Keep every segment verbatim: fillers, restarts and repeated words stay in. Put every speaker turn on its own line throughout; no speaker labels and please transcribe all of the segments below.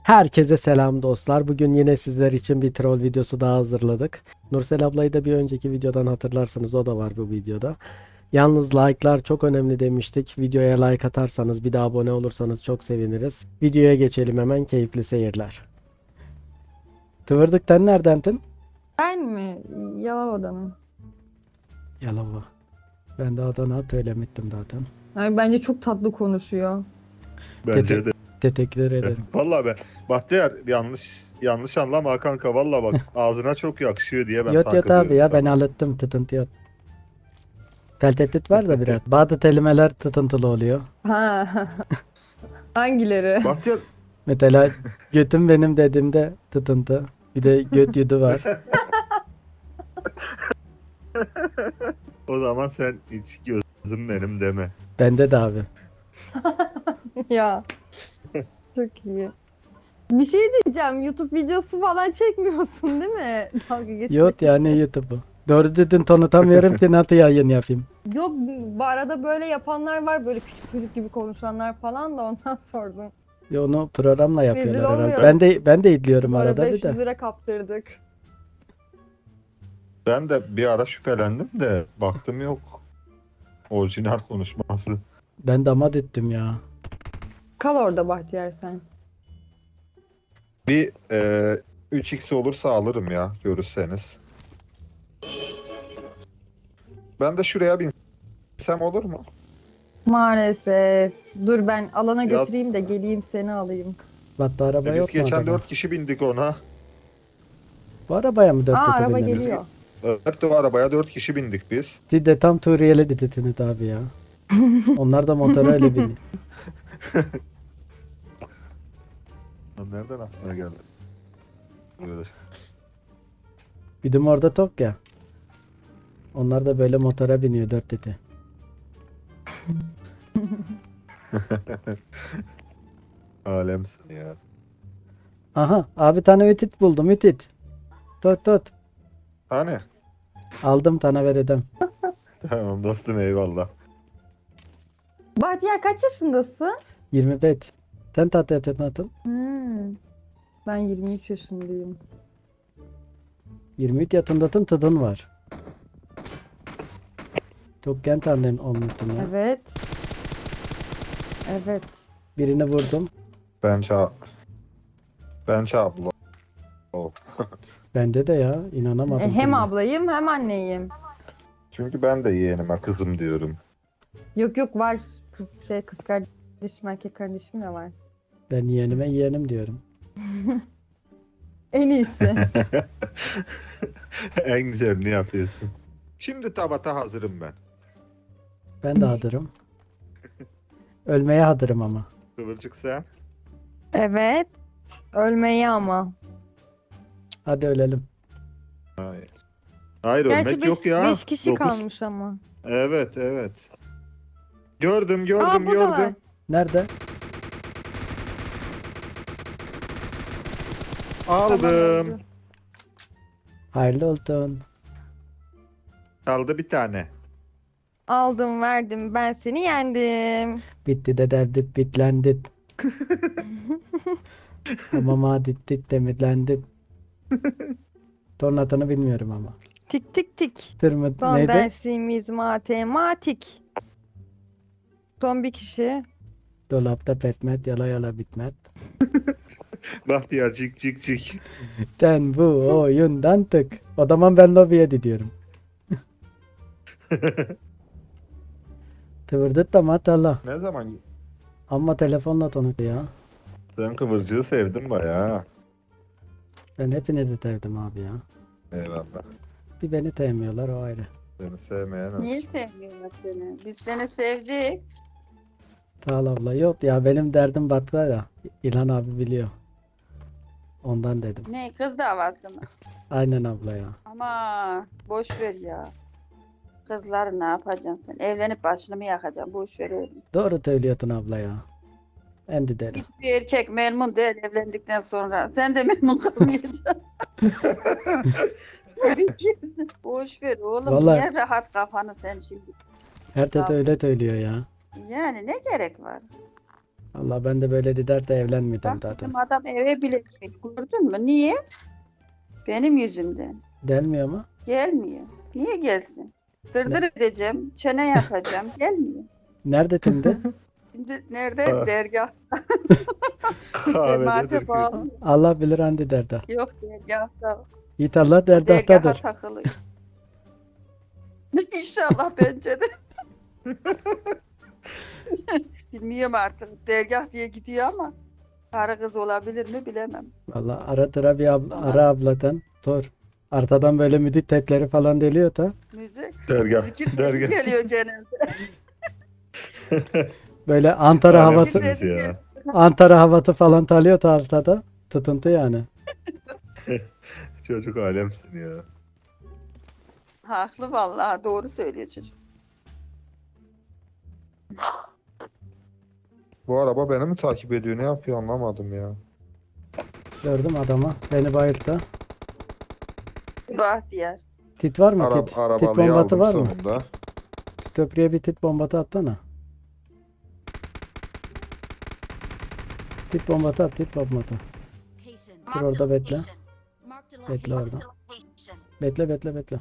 Herkese selam dostlar. Bugün yine sizler için bir troll videosu daha hazırladık. Nursel ablayı da bir önceki videodan hatırlarsanız o da var bu videoda. Yalnız like'lar çok önemli demiştik. Videoya like atarsanız bir de abone olursanız çok seviniriz. Videoya geçelim hemen, keyifli seyirler. Tıvırdıktan neredendin?
Ben mi? Yalova'danım.
Yalova. Ben de Adana söylemiştim zaten.
Yani bence çok tatlı konuşuyor.
Bence de.
Teşekkür ederim.
Vallahi ben Bahtiyar yanlış yanlış anlama kanka, vallahi bak ağzına çok yakışıyor diye ben
Yot yot
takılıyorum
abi ya, ben
sana.
hallettim, tıtıntı yok. Tel tehdit var da biraz. Bazı kelimeler tıtıntılı oluyor.
Ha. Hangileri?
Bahtiyar
Mesela götüm benim dediğimde tıtıntı. Bir de göt yudu var.
o zaman sen hiç gözüm benim deme.
Bende de abi.
Ya. Çok iyi. Bir şey diyeceğim. YouTube videosu falan çekmiyorsun değil mi? Dalga geçmek
Yok ya, ne
için.
YouTube'u. Doğru dedin, tanıtamıyorum ki nasıl yayın yapayım.
Yok, bu arada böyle yapanlar var. Böyle küçük çocuk gibi konuşanlar falan da ondan sordum.
Ya onu programla yapıyorlar
Rezil
herhalde.
olmuyor.
Ben de ben de izliyorum
Sonra
arada bir
beş yüz
de.
lira kaptırdık.
Ben de bir ara şüphelendim de baktım yok. Orijinal konuşması.
Ben damat ettim ya.
Kal orada Bahtiyar sen.
Bir e, üç x olursa alırım ya, görürseniz. Ben de şuraya binsem olur mu?
Maalesef. Dur ben alana
Ya-
götüreyim de geleyim seni alayım.
Battı araba
E, biz
yok mu
geçen
adama?
dört kişi bindik ona.
Bu arabaya mı dört
Aa,
tete
araba
bindiniz?
geliyor.
Evet, o arabaya dört kişi bindik biz.
Siz de tam Suriyeli dediniz abi ya. Onlar da motora öyle biniyor.
Lan nereden aklına geldi? Böyle.
Bizim orada tok ya. Onlar da böyle motora biniyor dört tete.
Alemsin ya.
Aha abi, tane ütit buldum, ütit. Tut tut.
Hani?
Aldım, tane vereceğim.
Tamam dostum, eyvallah.
Bahtiyar kaç yaşındasın?
yirmi beş. Sen tatlı yatın atın.
Hmm. Ben yirmi üç yaşındayım.
yirmi üç yaşındasın, tadın var. Çok genç annen olmuşsun ya.
Evet. Evet.
Birini vurdum.
Ben ça ben abla. Oh.
Bende de ya, inanamadım.
E, hem
şimdi.
ablayım hem anneyim.
Çünkü ben de yeğenime kızım diyorum.
Yok yok var. Kız şey kız kardeşim erkek kardeşim de var.
Ben yeğenime yeğenim diyorum.
En iyisi.
En güzelini yapıyorsun. Şimdi tabata hazırım ben.
Ben de hazırım. Ölmeye hazırım ama.
Kıvırcık sen.
Evet. Ölmeyi ama.
Hadi ölelim.
Hayır. Hayır,
Gerçi
ölmek
beş,
yok ya.
beş kişi
Dokuz.
kalmış ama.
Evet evet. Gördüm gördüm
Aa, buradalar.
gördüm.
Nerede?
Tamam,
Aldım.
öldü.
Hayırlı olsun.
Kaldı bir tane.
Aldım verdim ben seni yendim.
Bitti de derdik bitlendik. Hamama dittik demirlendik. Tornatını bilmiyorum ama.
Tik tik tik.
Tırmıt
Son
neydi?
dersimiz matematik. Son bir kişi.
Dolapta petmet, yala yala bitmet.
Bahtiyar cik cik cik.
Sen bu oyundan tık. O zaman ben lobiye gidiyorum. Tıvırdıt da matala.
Ne zaman?
Ama telefonla tanıdı ya.
Sen kıvırcığı sevdin bayağı.
Ben hepinizi sevdim abi ya.
Eyvallah.
Bir beni sevmiyorlar, o ayrı.
Seni sevmeyen o.
Niye sevmiyorlar seni? Biz seni sevdik.
Sağ ol abla. Yok ya, benim derdim battı ya. İlhan abi biliyor. Ondan dedim.
Ne kız davası mı?
Aynen abla ya.
Ama boş ver ya. Kızları ne yapacaksın sen? Evlenip başını mı yakacaksın? Boş ver oğlum.
Doğru söylüyorsun abla ya. Endi derim.
Hiçbir erkek memnun değil evlendikten sonra. Sen de memnun kalmayacaksın. Boş ver oğlum.
Vallahi-
Niye rahat kafanı sen şimdi?
Her tete
Tamam.
öyle söylüyor ya.
Yani ne gerek var?
Allah ben de böyle gider de evlenmedim
Bak
zaten.
bizim adam eve bile gitmiş. Gördün mü? Niye? Benim yüzümden.
Gelmiyor mu?
Gelmiyor. Niye gelsin? Dırdır edeceğim. Çene yapacağım. Gelmiyor.
Nerede şimdi?
Şimdi nerede?
Ha.
Dergah.
Kahvededir
Cemaate
ki.
bağlı.
Allah bilir Handi derda.
Yok dergahta.
Yiğit Allah
Dergaha
derdahtadır.
takılıyor. İnşallah bence de. Bilmiyorum artık. Dergah diye gidiyor ama karı kız olabilir mi bilemem.
Valla ara tıra bir abla, ara abladan. Dur. Arkadan böyle müddet tetleri falan deliyor da.
Müzik.
Dergah.
Zikir sesi
Dergah.
geliyor genelde.
Böyle Antara
Alemsiniz
havatı,
Zikir sesi
ya.
geliyor.
Antara havatı falan talıyor da arkada. Tıtıntı yani.
Çocuk alemsin ya.
Haklı vallahi doğru söylüyor çocuk.
Bu araba beni mi takip ediyor? Ne yapıyor anlamadım ya.
Gördüm adamı. Beni bayılttı.
Bahtiyar.
Tit var mı
Ara,
tit? Tit
arabalıyı
bombası
aldım
var mı?
sonunda.
Köprüye bir tit bombası atsana. Tit bombası at, tit bombası. Dur orada bekle. Bekle orada. Bekle bekle bekle.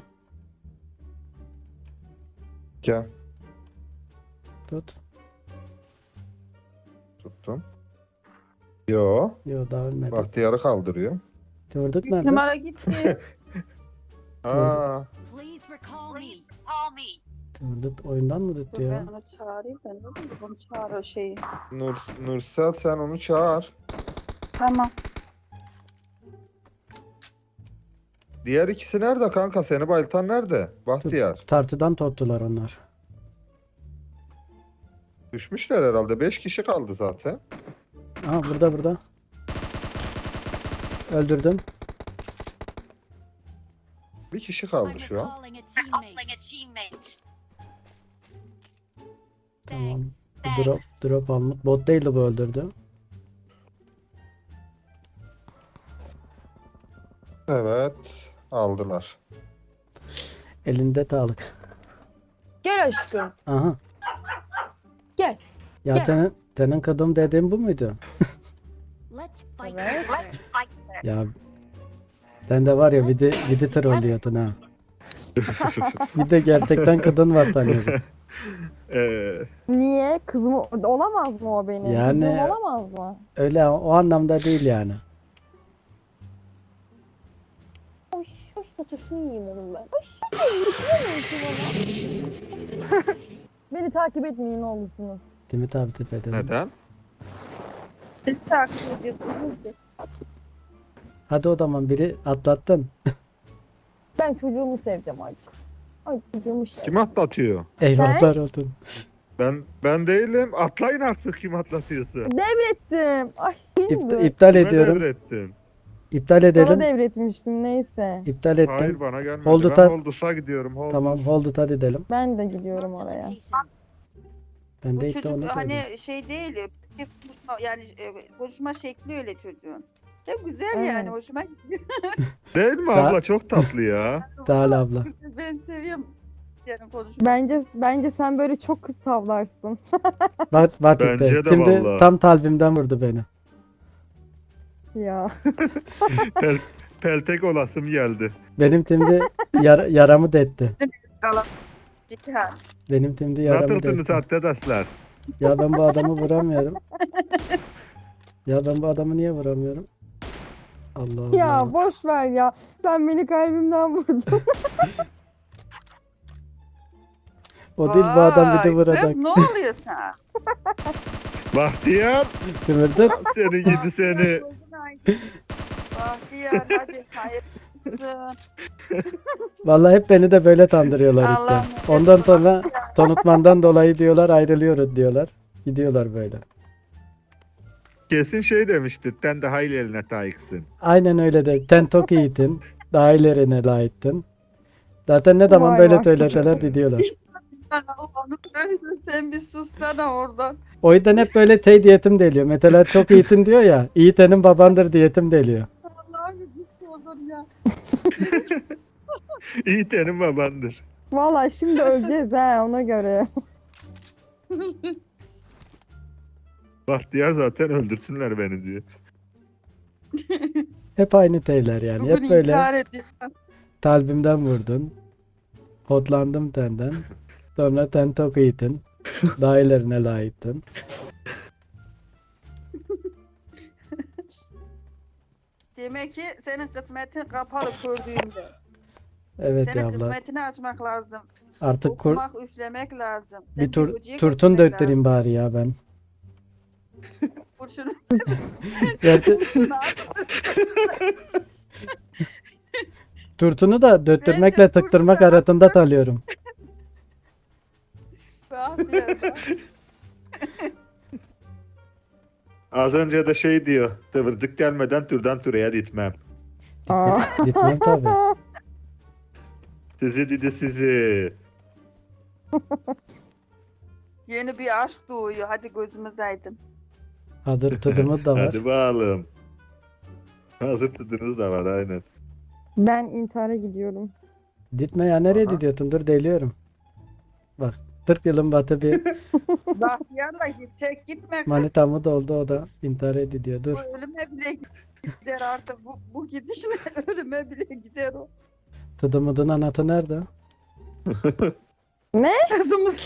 Gel.
Tut.
Tuttum. Yo.
Yo daha ölmedi.
Bahtiyarı kaldırıyor.
Tırdık
Bir
nerede?
numara gitti.
Aa,
Please recall me.
Tırdık oyundan mı
Dur
tuttu
ben
ya?
onu çağırayım. Ben de onu çağır o şeyi.
Nur, Nursel sen onu çağır.
Tamam.
Diğer ikisi nerede kanka? Seni bayıltan nerede? Bahtiyar.
Tartıdan tuttular onlar.
Düşmüşler herhalde. Beş kişi kaldı zaten.
Aha burada burada. Öldürdüm.
Bir kişi kaldı
I'm
şu an.
recalling a teammate.
Tamam.
Thanks.
Bu drop, drop almış. Bot değildi bu öldürdü.
Evet. Aldılar.
Elinde sağlık.
Gel aşkım.
Aha.
Gel.
Ya
Gel.
senin, senin kadın dediğin bu muydu?
Let's fight
Evet.
together.
Ya sen de var ya bir de, bir de trollüyordun ha. Bir de gerçekten kadın var tanıyorum.
Ee,
Niye? Kızım olamaz mı o benim?
Yani-
Kızım olamaz mı?
Öyle o anlamda değil yani.
Hoş, hoş fotoğrafını yiyeyim onun ben. Hoş, hoş, Beni takip etmeyin ne olursunuz.
Timit abi tepede.
neden?
Siz takip ediyorsunuz.
Hadi o zaman biri atlattın.
Ben çocuğumu seveceğim artık. Ay çocuğumu sev.
Kim atlatıyor?
Eyvahlar olsun.
Ben ben değilim. Atlayın artık kim atlatıyorsa.
Devrettim. Ay
İp-
şimdi.
iptal
Kime
ediyorum.
devrettin?
İptal
Sana
edelim.
devretmiştim neyse.
İptal ettim.
Hayır bana gelmedi.
Hold
ben
it up.
Holdus'a gidiyorum. Holdus.
Tamam hold it hadi edelim.
Ben de gidiyorum
Marked a
oraya.
location.
Ben
Bu
de ilk de
çocuk
onu koydum.
hani şey değil. tek Konuşma, yani e, konuşma şekli öyle çocuğun. Ne güzel
Evet.
yani hoşuma gidiyor.
Değil mi
Daha-
abla? Çok tatlı ya.
Dağıl abla.
Ben seviyorum. Yani konuşma.
Bence bence sen böyle çok kız tavlarsın.
Bak bak
Bence
işte.
de
Şimdi
vallahi.
tam kalbimden vurdu beni.
Ya.
Pel, peltek olasım geldi.
Benim timde yar- yaramı detti.
Cihan.
Benim timde yaramı
Nasılsınız
detti.
arkadaşlar?
Ya ben bu adamı vuramıyorum. Ya ben bu adamı niye vuramıyorum? Allah Allah.
Ya boş ver ya. Sen beni kalbimden vurdun.
O değil bu adam bir de
Vay,
vuracak.
kız, ne oluyor sana?
Bahtiyar
Tümürdür.
seni yedi seni.
Bahtiyar hadi hayırlısın.
Vallahi hep beni de böyle tandırıyorlar ilk de.
Allah'ım.
Ondan sonra tanıtmandan dolayı diyorlar ayrılıyoruz diyorlar. Gidiyorlar böyle.
Kesin şey demişti. Sen daha ilerine layıksın.
Aynen öyle de. Sen çok iyiydin. Daha ilerine layıktın. Zaten ne zaman
Vay
böyle
vay.
söyleseler gidiyorlar.
Allah'ını seversen sen bir sussana oradan.
O yüzden hep böyle tey diyetim deliyor. Mesela çok iyisin diyor ya. Yiğitenin babandır diyetim deliyor.
Allah'ım ciddi olur ya.
İyi senin babandır.
Vallahi şimdi öleceğiz ha ona göre.
Bahtiyar zaten öldürsünler beni diyor.
Hep aynı teyler yani.
Bugün
Hep böyle
intihar ediyor.
kalbimden vurdun. Hotlandım tenden. Sonra ten tok yedin. Daha ilerine layıktın.
Demek ki senin kısmetin kapalı kördüğümde.
Evet
Senin
ya abla.
kısmetini açmak lazım.
Artık kur,
Okumak, üflemek lazım. Sen
bir tur
hocaya
turtun
götürmek
döktüreyim bari ya ben.
lazım. Kurşunu,
Gerçi
kurşunu at.
turtunu da döttürmekle
Bence
tıktırmak
kurşunu
arasında talıyorum.
Bahtiyar bak.
Az önce de şey diyor. Tıvırdık gelmeden türden türeye gitmem.
Aa.
Gitmem tabii.
Sizi dedi sizi.
Yeni bir aşk doğuyor. Hadi gözümüz aydın.
Hazır tadımı da var.
Hadi bakalım. Hazır tadınız da var aynen.
Ben intihara gidiyorum.
Gitme ya, nereye
Aha.
gidiyorsun? Dur deliyorum. Bak kırk yılın batı bir
Bahtiyarla git. Tek gitme kız.
manitamı doldu, o da intihar ediyor. Dur.
Bu ölüme bile gider artık. Bu, bu gidişle ölüme bile gider o.
Tıdımıdın anahtarı nerede?
Kızımız,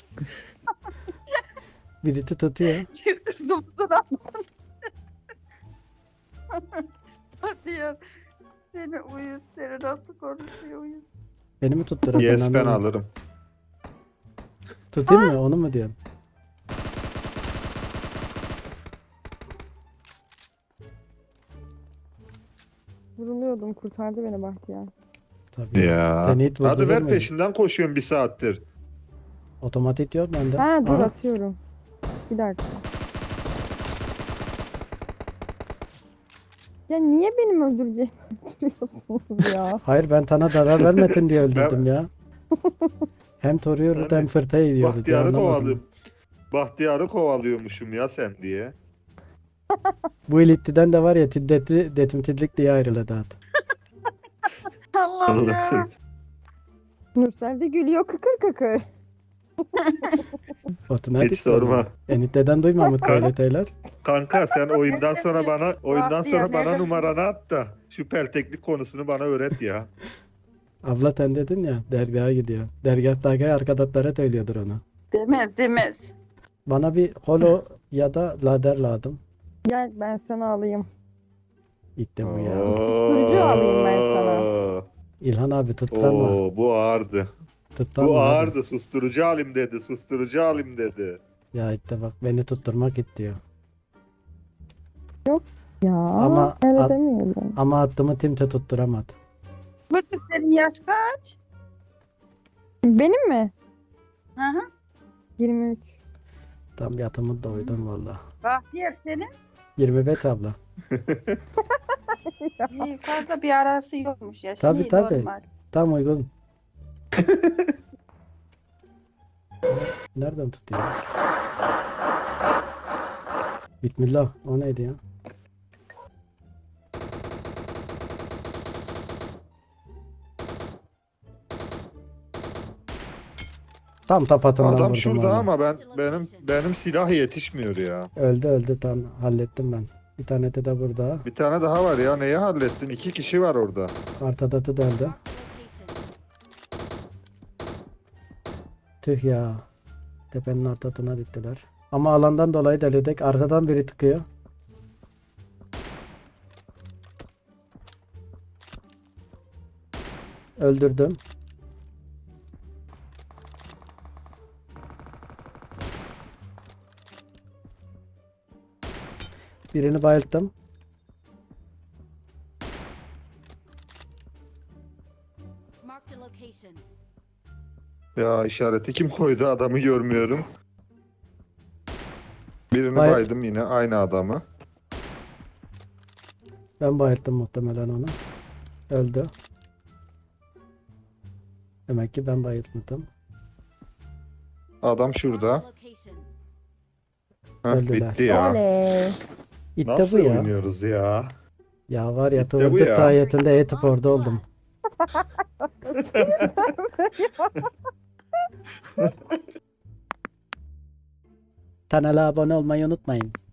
Birisi tutuyor.
kızımızın anlamı. Bahtiyar. Seni uyuz. Seni nasıl konuşuyor uyuz.
Beni mi tutturacaksın?
Yes ben
anlamadım.
alırım.
Tutayım mı? Onu mu diyorsun?
Vuruluyordum. Kurtardı beni Bahtiyar.
Tabii.
Ya.
Seni hiç
Hadi
vurdurur
ver
muyum?
peşinden koşuyorum bir saattir.
Otomatik diyor bende.
Ha dur
Aha.
atıyorum. Bir dakika. Ya niye benim öldüreceğimi öldürüyorsunuz ya?
Hayır, ben sana zarar vermedin diye öldürdüm ya. Hem toruyordu
Ben
hem
de
fırta yiyordu diye
Bahtiyarı
anlamadım.
kovalıyorum. Bahtiyarı kovalıyormuşum ya sen diye.
Bu ilitiden de var ya, tiddetli detimtillik diye ayrıldı artık.
Allah'ım ya.
Nursel de gülüyor kıkır kıkır.
Otomatik
Hiç sorma.
diyor. Eniteden duymamış böyle şeyler.
Kanka sen oyundan sonra bana oyundan
Bahtiyar,
sonra bana
nerede?
numaranı at da şu pelteklik konusunu bana öğret ya.
Abla sen dedin ya, dergaha gidiyor. Dergahtaki arkadaşlara söylüyordur onu.
Demez demez.
Bana bir holo ya da lader lazım.
Gel ben sana alayım.
Gitti bu ya.
Susturucu alayım ben sana.
İlhan abi tutlanma.
Oo, bu ağırdı.
Tutlanma
Bu
abi.
ağırdı. Susturucu alayım dedi. Susturucu alayım dedi.
Ya işte bak, beni tutturmak istiyor.
Ya
Ama-
öyle
at-
demeyelim.
Ama attığımı kimse tutturamadı.
Burada senin yaş kaç?
Benim mi?
Hı hı.
yirmi üç.
Tam yatımı doydum valla.
Bahtiyar senin?
yirmi beş abla.
İyi, fazla bir arası yokmuş ya.
Tabii,
Şimdi
tabii.
normal.
Tam uygun. Nereden tutuyor? Bismillah. O neydi ya? Tam tapatından
Adam
vurdum
şurada
onu.
ama ben benim benim silah yetişmiyor ya.
Öldü öldü, tam hallettim ben. Bir tane de de burada.
Bir tane daha var ya. Neyi hallettin? İki kişi var orada.
Kartadatı da öldü.
Mark the location.
Tüh ya. Tepenin ortasına diktiler. Ama alandan dolayı delidik. Arkadan biri tıkıyor. Öldürdüm. Birini bayılttım.
Mark the location.
Ya işareti kim koydu? Adamı görmüyorum. Birini
Bayıl-
baydım yine aynı adamı.
Ben bayılttım muhtemelen onu. Öldü. Demek ki ben bayıltmadım.
Adam
Mark
şurada.
the location.
Heh,
Öldüler.
bitti ya.
Oley.
İtte
Nasıl
bu ya.
oynuyoruz ya?
Ya var ya,
İşte bu
tıvırtık
ya.
tahiyetinde eğitip
Belongs
orada
to
oldum.
us.
Kanala abone olmayı unutmayın.